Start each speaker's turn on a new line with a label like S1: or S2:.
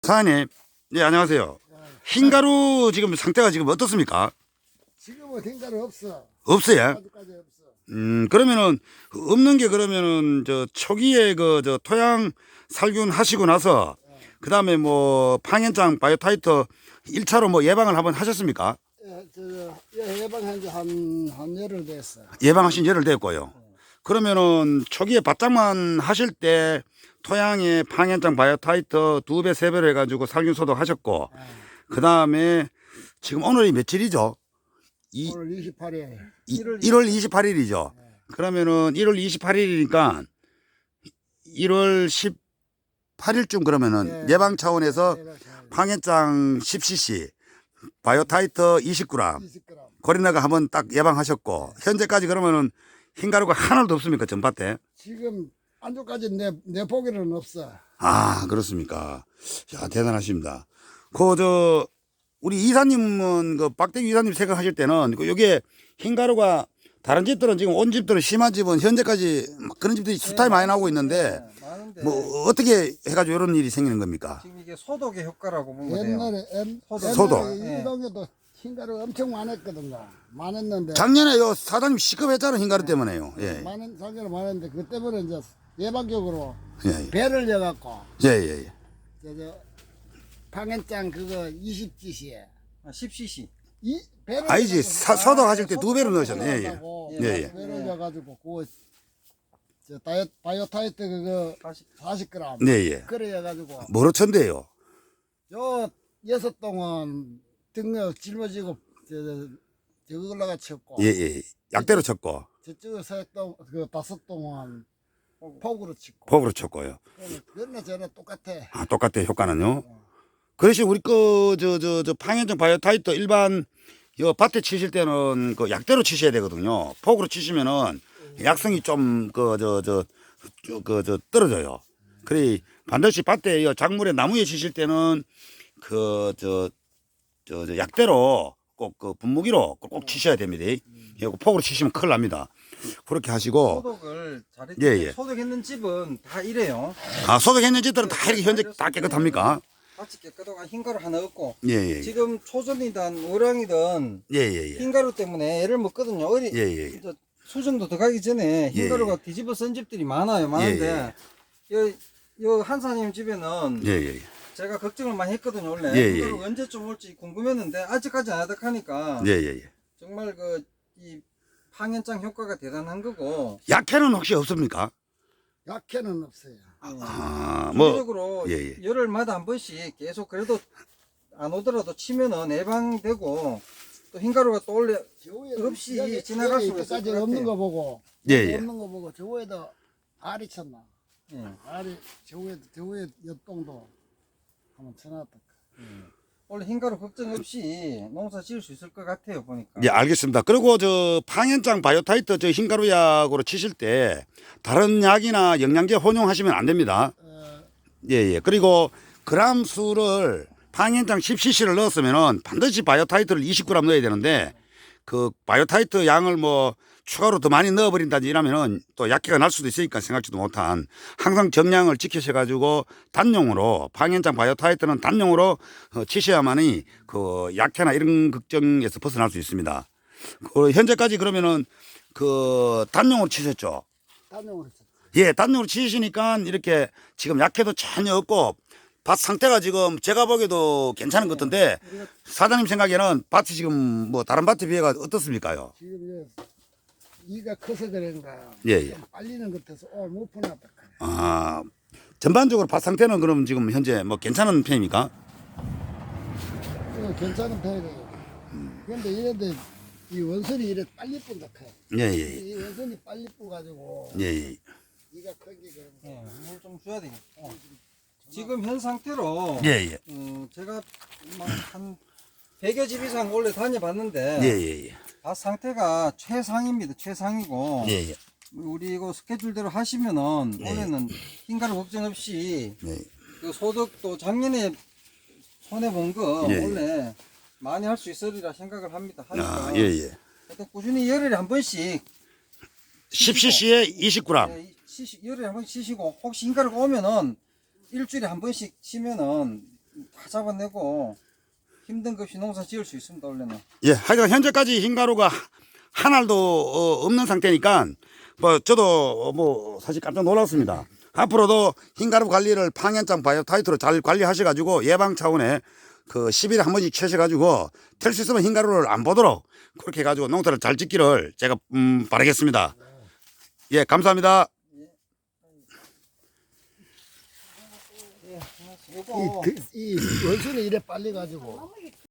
S1: 사장님, 네, 안녕하세요. 흰가루 지금 상태가 지금 어떻습니까?
S2: 지금은 된가루 없어.
S1: 없어요?
S2: 아직까지 없어.
S1: 그러면은, 없는 게 그러면은, 초기에 토양 살균 하시고 나서, 그 다음에 방현장 바이오타이터 1차로 예방을 한번 하셨습니까?
S2: 예방한 지 한 열흘 됐어.
S1: 예방하신 열흘 됐고요. 그러면은, 초기에 바짝만 하실 때, 토양에 방현장 바이오타이터 2배, 3배로 해가지고 살균 소독 하셨고, 그 다음에, 지금 오늘이 며칠이죠?
S2: 오늘 28일.
S1: 1월 28일이죠. 그러면은 1월 28일이니까 1월 18일쯤 그러면은 예방 차원에서 방해장 10cc, 바이오타이터 20g,
S2: 20g.
S1: 고리나가 한번 딱 예방하셨고, 현재까지 그러면은 흰가루가 하나도 없습니까? 전밭에?
S2: 지금 안쪽까지 내 보기는 없어.
S1: 아, 그렇습니까? 야, 대단하십니다. 우리 이사님은, 박대기 이사님 생각하실 때는, 요게 흰가루가 다른 집들은 지금 온 집들은 심한 집은 현재까지 그런 집들이 수타이 많이 나오고 있는데,
S3: 많은데
S1: 어떻게 해가지고 이런 일이 생기는 겁니까?
S3: 지금 이게 소독의 효과라고 보면 돼요.
S2: 옛날에
S1: 소독.
S2: 이 동네도 흰가루 엄청 많았거든요. 많았는데
S1: 작년에 사장님 시급했잖아요, 흰가루 때문에요. 예.
S2: 많은 상대로 많았는데 그 때문에 이제 예방적으로
S1: 예,
S2: 배를 여갖고
S1: 예, 예.
S2: 저 방hen장 그거 20cc에
S3: 10cc.
S2: 이 배를
S1: 아니지,
S2: 여갖고
S1: 소독하실 때 2배로 넣으셨네. 예, 예.
S2: 하려고
S1: 예, 예.
S2: 배를 여가지고 그거 저 바이오타이트 그거 40g
S1: 네, 예.
S2: 그래 해가지고
S1: 뭐로 천대요?
S2: 저 6동은 등력 짊어지고 저거 올라가 쳤고
S1: 예, 예. 약대로 쳤고,
S2: 저쪽에 3동 그 5동은 폭으로 치고
S1: 폭으로 쳤고요.
S2: 그러나 저는 똑같아.
S1: 아, 똑같아요, 효과는요. 그래서 우리 방현정 바이오타이터 일반 밭에 치실 때는 그 약대로 치셔야 되거든요. 폭으로 치시면은 약성이 좀 떨어져요. 그래 반드시 밭에 작물에 나무에 치실 때는 약대로 꼭 분무기로 꼭 치셔야 됩니다. 폭으로 치시면 큰일 납니다. 그렇게 하시고,
S3: 소독을 잘했
S1: 예, 예.
S3: 소독했는 집은 다 이래요.
S1: 아, 소독했는 집들은 다 이렇게 현재 다 깨끗합니까?
S3: 같이 깨끗하고 흰가루 하나 없고
S1: 예, 예.
S3: 지금 초전이든 어랑이든
S1: 예, 예, 예.
S3: 흰가루 때문에 애를 먹거든요.
S1: 예, 예.
S3: 이제 수정도 들어가기 전에 흰가루가 뒤집어 쓴 집들이 많아요. 많은데 요 한사님 집에는
S1: 예, 예.
S3: 제가 걱정을 많이 했거든요. 원래
S1: 예, 예,
S3: 흰가루가
S1: 예.
S3: 언제쯤 올지 궁금했는데 아직까지 안 하다 하니까
S1: 예, 예, 예.
S3: 정말 이 항연장 효과가 대단한 거고
S1: 약해는 혹시 없습니까?
S2: 약해는 없어요.
S1: 아,
S3: 주기적으로
S1: 예, 예.
S3: 열흘마다 한 번씩 계속 그래도 안 오더라도 치면은 예방되고 또 흰가루가 또 원래 없이 지나갈 수가 있을
S2: 까지
S3: 것
S2: 없는
S3: 같아요.
S2: 거 보고
S1: 예, 예.
S2: 없는 거 보고 저 위에도 알이 쳤나?
S3: 예.
S2: 알이 저 위에 옆동도 한번 쳐놨다.
S3: 원래 흰가루 걱정 없이 농사 지을 수 있을 것 같아요 보니까.
S1: 예, 알겠습니다. 그리고 방현장 바이오타이터 흰가루 약으로 치실 때 다른 약이나 영양제 혼용하시면 안 됩니다. 예, 예. 그리고 그람 수를 방현장 10cc를 넣었으면은 반드시 바이오타이트를 20g 넣어야 되는데 그 바이오타이트 양을 추가로 더 많이 넣어버린다든지 이러면은 또 약해가 날 수도 있으니까 생각지도 못한 항상 정량을 지키셔가지고 단용으로 방현장 바이오타이트는 단용으로 치셔야만이 그 약해나 이런 걱정에서 벗어날 수 있습니다. 현재까지 그러면은 단용으로 치셨죠?
S2: 단용으로 쳤.
S1: 예, 단용으로 치시니까 이렇게 지금 약해도 전혀 없고 밭 상태가 지금 제가 보기에도 괜찮은 것 같은데 사장님 생각에는 밭이 지금 다른 밭에 비해가 어떻습니까요?
S2: 지금 이가 커서 그런가.
S1: 예, 예.
S2: 좀 빨리는 것 같아서 오늘 못 보냈다.
S1: 아, 전반적으로 밭 상태는 그럼 지금 현재 괜찮은 편입니까?
S2: 이거 괜찮은 편이에요. 그런데 이런데 이 원선이 이래 빨리 뿐다 커.
S1: 예, 예,
S2: 이 원선이 빨리 뿌가지고
S1: 예, 예.
S2: 이가 큰게 그런 거.
S3: 물 좀 줘야 되겠다. 지금 현 상태로
S1: 예, 예.
S3: 제가 한 100여 집 이상 원래 다녀봤는데
S1: 예, 예, 예.
S3: 밭 상태가 최상입니다. 최상이고
S1: 예, 예.
S3: 우리 이거 스케줄대로 하시면은 올해는 흰가루 걱정 없이
S1: 네.
S3: 그 소득도 작년에 손해 본 거
S1: 예, 예.
S3: 원래 많이 할 수 있으리라 생각을 합니다. 하니까
S1: 아, 예, 예.
S3: 하여튼 꾸준히 열흘에 한 번씩
S1: 10cc에 20g.
S3: 열흘에 한 번씩 치시고 혹시 흰가루가 오면은 일주일에 한 번씩 치면은 다 잡아내고 힘든 것 없이 농사 지을 수 있습니다. 원래는.
S1: 예, 하여간 현재까지 흰가루가 한 알도 없는 상태니까 뭐 저도 뭐 사실 깜짝 놀랐습니다. 앞으로도 흰가루 관리를 방현장 바이오타이트로 잘 관리하셔가지고 예방 차원에 그 10일에 한 번씩 채셔가지고 될 수 있으면 흰가루를 안 보도록 그렇게 해가지고 농사를 잘 짓기를 제가 바라겠습니다. 예, 감사합니다.
S3: 요거
S2: 이 원순이 이래 빨리 가지고